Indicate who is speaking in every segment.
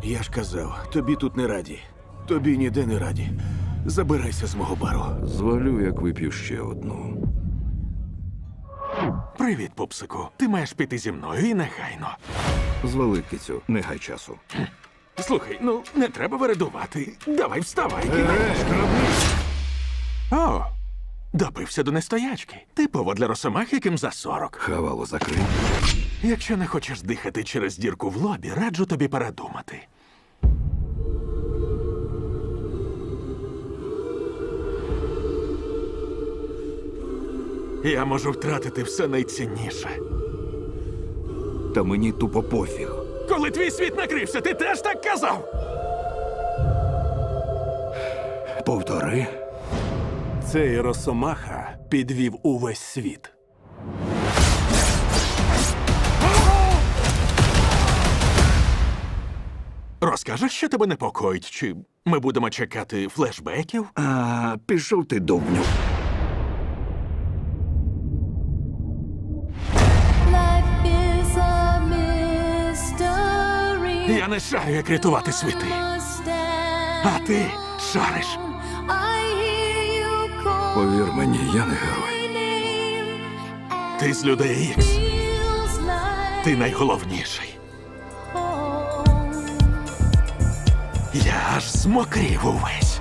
Speaker 1: Я ж казав, тобі тут не раді. Тобі ніде не раді. Забирайся з мого бару.
Speaker 2: Звалю, як вип'ю ще одну.
Speaker 3: Привіт, пупсику. Ти маєш піти зі мною і негайно.
Speaker 2: Звали, кицю, не гай часу.
Speaker 3: Слухай, ну не треба вередувати. Давай вставай. О, допився до нестоячки. Типово для росомах, яким за 40.
Speaker 2: Хавало закрий.
Speaker 3: Якщо не хочеш дихати через дірку в лобі, раджу тобі передумати. Я можу втратити все найцінніше.
Speaker 2: Та мені тупо пофіг.
Speaker 3: Коли твій світ накрився, ти теж так казав?
Speaker 2: Повтори.
Speaker 4: Цей Росомаха підвів увесь світ.
Speaker 3: Розкажеш, що тебе непокоїть, чи ми будемо чекати флешбеків?
Speaker 2: А, пішов ти довбню.
Speaker 5: Life is a mystery.
Speaker 3: Я не шарю, як рятувати світи. А ти шариш.
Speaker 5: I hear you call
Speaker 2: Повір мені, я не герой.
Speaker 5: my name.
Speaker 3: Ти з людей Ікс.
Speaker 5: Feels like
Speaker 3: Ти найголовніший.
Speaker 5: home.
Speaker 3: Я аж змокрів увесь.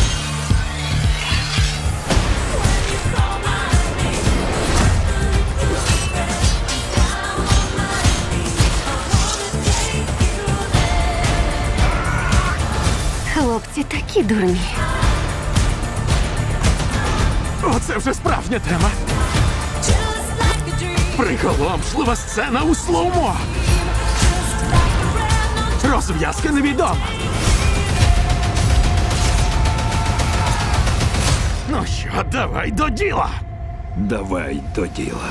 Speaker 6: Хлопці такі дурні.
Speaker 3: Оце вже справжня тема.
Speaker 5: Just like a dream.
Speaker 3: Приголомшлива сцена у слоумо. Розв'язка невідома. Ну що, давай до діла.
Speaker 2: Давай до діла.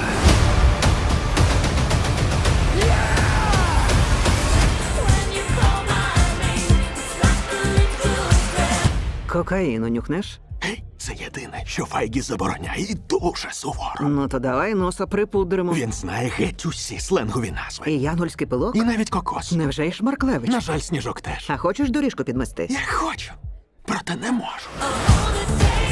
Speaker 7: Кокаїну нюхнеш?
Speaker 3: Гей, це єдине, що Файгі забороняє і дуже суворо.
Speaker 7: Ну то давай носа припудримо.
Speaker 3: Він знає геть усі сленгові назви.
Speaker 7: І янгольський пилок?
Speaker 3: І навіть кокос.
Speaker 7: Невже й Шмарклевич?
Speaker 3: На жаль, Сніжок теж.
Speaker 7: А хочеш доріжку підмести?
Speaker 3: Я хочу, проте не можу.
Speaker 5: All the days